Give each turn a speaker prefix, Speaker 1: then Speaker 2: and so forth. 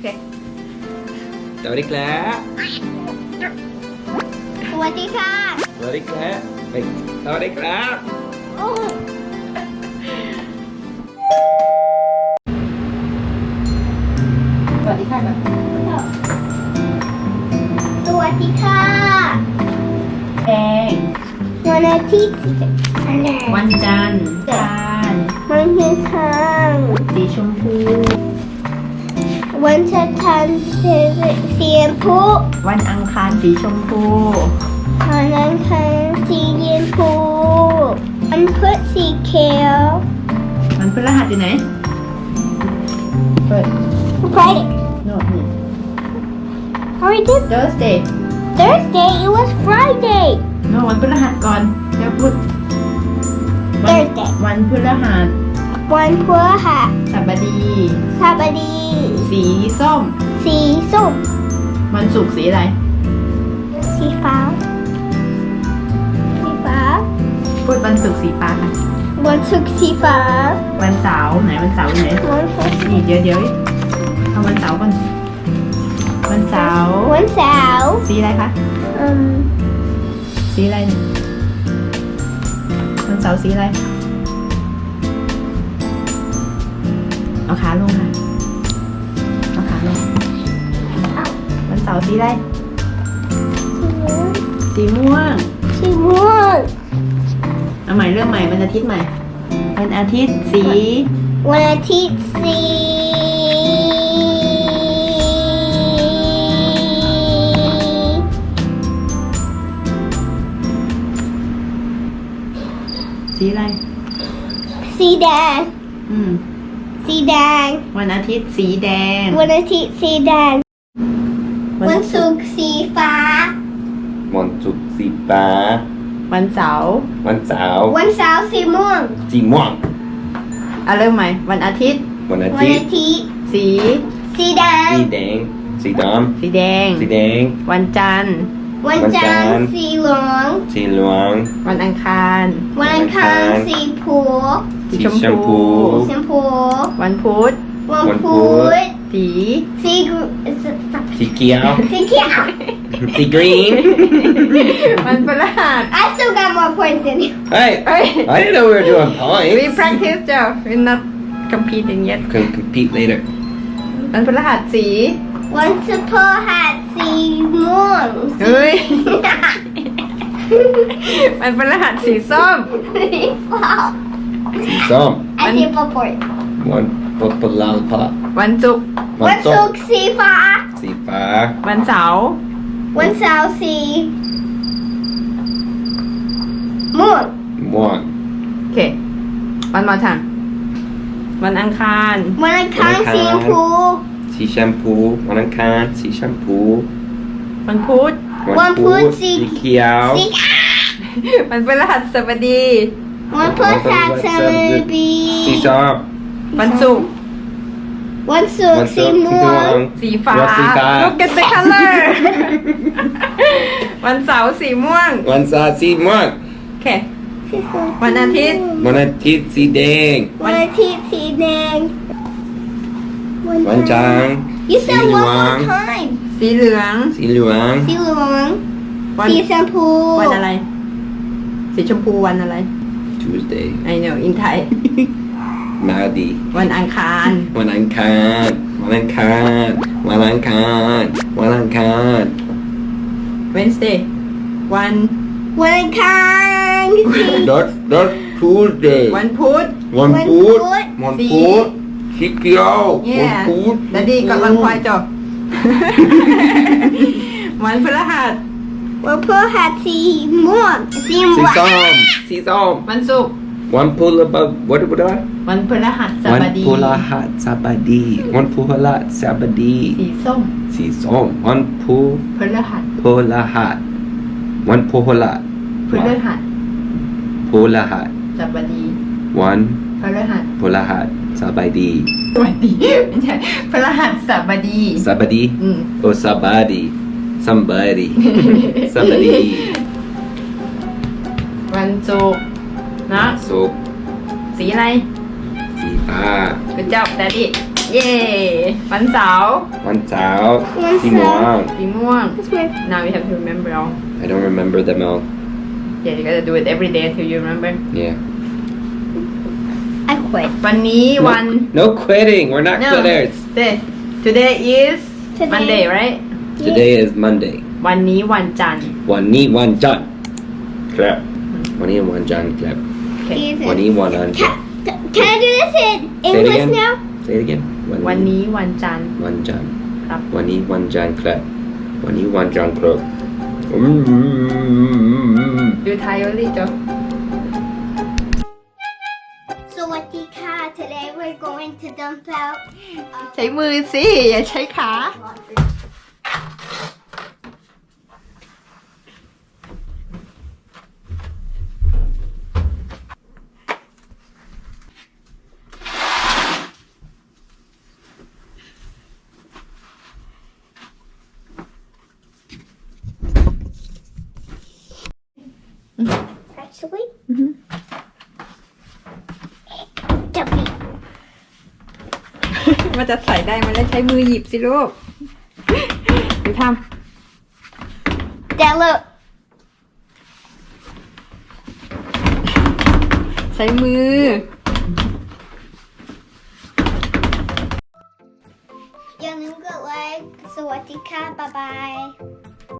Speaker 1: เค
Speaker 2: สวัสดีครับ
Speaker 3: สวัสดีค่ะ
Speaker 2: สวัสดีครับสวัสดีครับ
Speaker 3: โอ้
Speaker 1: สวัสดีค่ะก่อน
Speaker 3: สวัสดีค่ะ
Speaker 1: แดง
Speaker 3: วันอาทิตย์อะไร
Speaker 1: วันจันทร์จาน
Speaker 3: วันอังคาร
Speaker 1: สีชมพู
Speaker 3: วันจันทร์สีชมพู
Speaker 1: วันอังคารสีชมพู
Speaker 3: วันอังคารสีชมพูวันพุธสีเขียว
Speaker 1: วันพฤหัสอยู่ไหนเปิด
Speaker 3: Friday
Speaker 1: โน่นนี่
Speaker 3: How we did
Speaker 1: Thursday
Speaker 3: Thursday it was Friday
Speaker 1: โน่วันพฤหัสก่อนแล้วพุธ
Speaker 3: Thursday
Speaker 1: วันพฤหัส
Speaker 3: วันพฤหัส
Speaker 1: สัปดาห์
Speaker 3: สัปดาห์
Speaker 1: สีส้ม
Speaker 3: สีส้ม
Speaker 1: วันศุกร์สีอะไร
Speaker 3: สีฟ้าสีฟ้า
Speaker 1: พูดวันศุกร์สีฟ้าค่ะ
Speaker 3: วันศุกร์สีฟ้า
Speaker 1: วันเสาร์ไหนวันเสาร์อยู่ไหน
Speaker 3: วันพุธ
Speaker 1: นี่เดี๋ยวเอาวันเสาร์ก่อนวันเสาร์
Speaker 3: วันเสาร์
Speaker 1: สีอะไรคะ
Speaker 3: อืม
Speaker 1: สีอะไรเนี่ยวันเสาร์สีอะไรเอาขาลงค่ะเอาขาลงวันเสาร์สีอะไรสีม่วง
Speaker 3: สีม่วง
Speaker 1: เอาใหม่เรื่องใหม่วันอาทิตย์ใหม่วันอาทิตย์สี
Speaker 3: วันอาทิตย์สี
Speaker 1: สีอะไร
Speaker 3: สีแดง
Speaker 1: อืม
Speaker 3: สีแดง
Speaker 1: วันอาทิตย์สีแดง
Speaker 3: วันอาทิตย์สีแดงวันศุกร์สีฟ้า
Speaker 2: วันศุกร์สีฟ้า
Speaker 1: วันเสาร์
Speaker 2: วันเสาร์
Speaker 3: วันเสาร์สีม่วง
Speaker 2: สีม่วง
Speaker 1: เอาเริ่มใหม่วันอาทิตย์
Speaker 2: วันอา
Speaker 3: วัน
Speaker 2: ทิต
Speaker 3: อา
Speaker 2: ย์
Speaker 3: ทิตย์
Speaker 1: สี
Speaker 3: สีแดง
Speaker 2: สีแดงสีด
Speaker 1: สีแดง
Speaker 2: ำสีแดง
Speaker 1: วันจันทร์
Speaker 3: วันจันทร์สีเหลือง
Speaker 2: สีเหลือง
Speaker 1: วันอังคาร
Speaker 3: วันอังคารสีผู
Speaker 1: สีชม
Speaker 2: ชม
Speaker 1: พู
Speaker 2: พู
Speaker 3: ชมพู
Speaker 1: วันพุธ
Speaker 3: วันพุธ
Speaker 1: สี
Speaker 3: สีก
Speaker 2: สีเขียว
Speaker 3: สีเขียว
Speaker 2: สีกรีน
Speaker 1: วันพฤหัส
Speaker 3: I still got more points than you.
Speaker 2: Hey I didn't know we were doing
Speaker 1: we
Speaker 2: points
Speaker 1: practice จ้ะ we're not competing yet
Speaker 2: can compete later
Speaker 1: วันพฤหัสสี
Speaker 3: วันศุกร์หัสสีม่วง
Speaker 1: เฮ้ย วันพฤหัสสีส้ม
Speaker 3: wow.
Speaker 2: สีส้ม
Speaker 3: I give a point.
Speaker 2: วันปลาพะ
Speaker 1: วันศุกร์
Speaker 3: วันศุกร์สีฟ้า
Speaker 2: สีฟ้า
Speaker 1: วันเสาร์
Speaker 3: วันเสาร์สีม่วง
Speaker 2: ม่วง
Speaker 1: โอเควันมาทางวันอังคาร
Speaker 3: วันอังคารสีชมพู
Speaker 2: สีแชมพูวันอังคารสีแชมพู
Speaker 1: วันพุธ
Speaker 3: วันพุธสี
Speaker 2: เขียว
Speaker 3: สี
Speaker 1: วันพฤหัสบดี
Speaker 3: วันพฤหัสบดี
Speaker 2: สีส้ม
Speaker 1: วันศุกร์
Speaker 3: วันศุกร์สีม่วง
Speaker 1: สีฟ้า
Speaker 2: วันสีฟ้า
Speaker 1: look at the color วันเสาร์สีม่วง
Speaker 2: วันเสาร์สีม่วง
Speaker 1: โอเค วันอาทิตย์
Speaker 2: วันอาทิตย์สีแดง
Speaker 3: วันอาทิตย์สีแดง
Speaker 2: วันจันทร์
Speaker 3: You
Speaker 2: สี
Speaker 3: said
Speaker 2: เหลื
Speaker 3: one
Speaker 2: อง
Speaker 3: more time.
Speaker 1: สีเหลือง
Speaker 2: สีเหลือง
Speaker 3: สีเหลือง
Speaker 1: วัน
Speaker 3: สีชมพู
Speaker 1: วันอะไร สีชมพูวันอะไร
Speaker 2: Tuesday
Speaker 1: I know in Thai
Speaker 2: มาดี
Speaker 1: วันอังคาร
Speaker 2: วันอังคารวันอังคารวันอังคารวันอังคาร
Speaker 1: Wednesday วัน
Speaker 3: วันอังคารสี
Speaker 2: Not Tuesday
Speaker 1: วันพุธ
Speaker 2: วันพุธ
Speaker 3: วัน
Speaker 2: วัน
Speaker 1: สี
Speaker 2: พุธสีเขียววัน
Speaker 1: yeah
Speaker 2: พุธ
Speaker 1: แล้วดีกับวันควายจบ วันพฤหัส
Speaker 3: วันพฤหัสสีม่วงสี
Speaker 2: สี
Speaker 3: ม่วง
Speaker 2: ส้มสีส้ม
Speaker 1: วันศุกร์
Speaker 2: วันพุธwhat
Speaker 1: วันพฤหัส
Speaker 2: วัน
Speaker 1: บดี
Speaker 2: พฤหัสบดีวันพฤหัสบดี
Speaker 1: สีส้ม
Speaker 2: สีส้มวันพฤ
Speaker 1: พฤหัส
Speaker 2: พฤหัสวันพฤหัส
Speaker 1: พฤหัส
Speaker 2: พฤหัส
Speaker 1: บดี
Speaker 2: วัน
Speaker 1: พฤหัส
Speaker 2: พฤหัสบดี
Speaker 1: สวัสดีไม่ใช่พฤหัสบดี
Speaker 2: สบดี
Speaker 1: อืม
Speaker 2: โอสบดี somebody สบดี
Speaker 1: วันศุกร์เนาะ
Speaker 2: สุกร์
Speaker 1: สีอะไร
Speaker 2: สีฟ้า
Speaker 1: Good job Daddy เย้วันเสาร์
Speaker 2: วันเสาร์สีม่วง
Speaker 1: สีม่วง
Speaker 3: This way.
Speaker 1: now we have to remember all
Speaker 2: I don't remember them all.
Speaker 1: yeah you gotta do it every day until you remember
Speaker 2: Yeah.
Speaker 3: I quit.
Speaker 1: วันนี้วัน
Speaker 2: No quitting. We're not
Speaker 1: no
Speaker 2: quitters.
Speaker 1: today is
Speaker 3: Today.
Speaker 1: Monday right
Speaker 2: Today is Monday.
Speaker 1: วันนี้วันจันทร์
Speaker 2: วันนี้วันจันทร์ครับวันนี้วันจันทร์ครับ
Speaker 3: Even.
Speaker 2: วันนี้วันจันทร์
Speaker 3: Can I do this in
Speaker 2: Say it
Speaker 3: English
Speaker 2: again.
Speaker 3: now?
Speaker 2: Say it again.
Speaker 1: วันนี้วันจันทร์
Speaker 2: วันจันทร์
Speaker 1: ครับ
Speaker 2: วันนี้วันจันทร์ครับวันนี้วันจันทร์ครับ
Speaker 1: you Thai only จ้ะ
Speaker 3: Sawadika. Today we're going to dump out.
Speaker 1: ใช้มือสิอย่าใช้ขา
Speaker 3: Actually. Dump it.
Speaker 1: มันจะใส่ได้มันแล้วใช้มือหยิบสิลูกดูท
Speaker 3: Dad, look.
Speaker 1: ำใช้มือ
Speaker 3: อย่าลืมกดไลค์สวัสดีค่ะบ๊ายบาย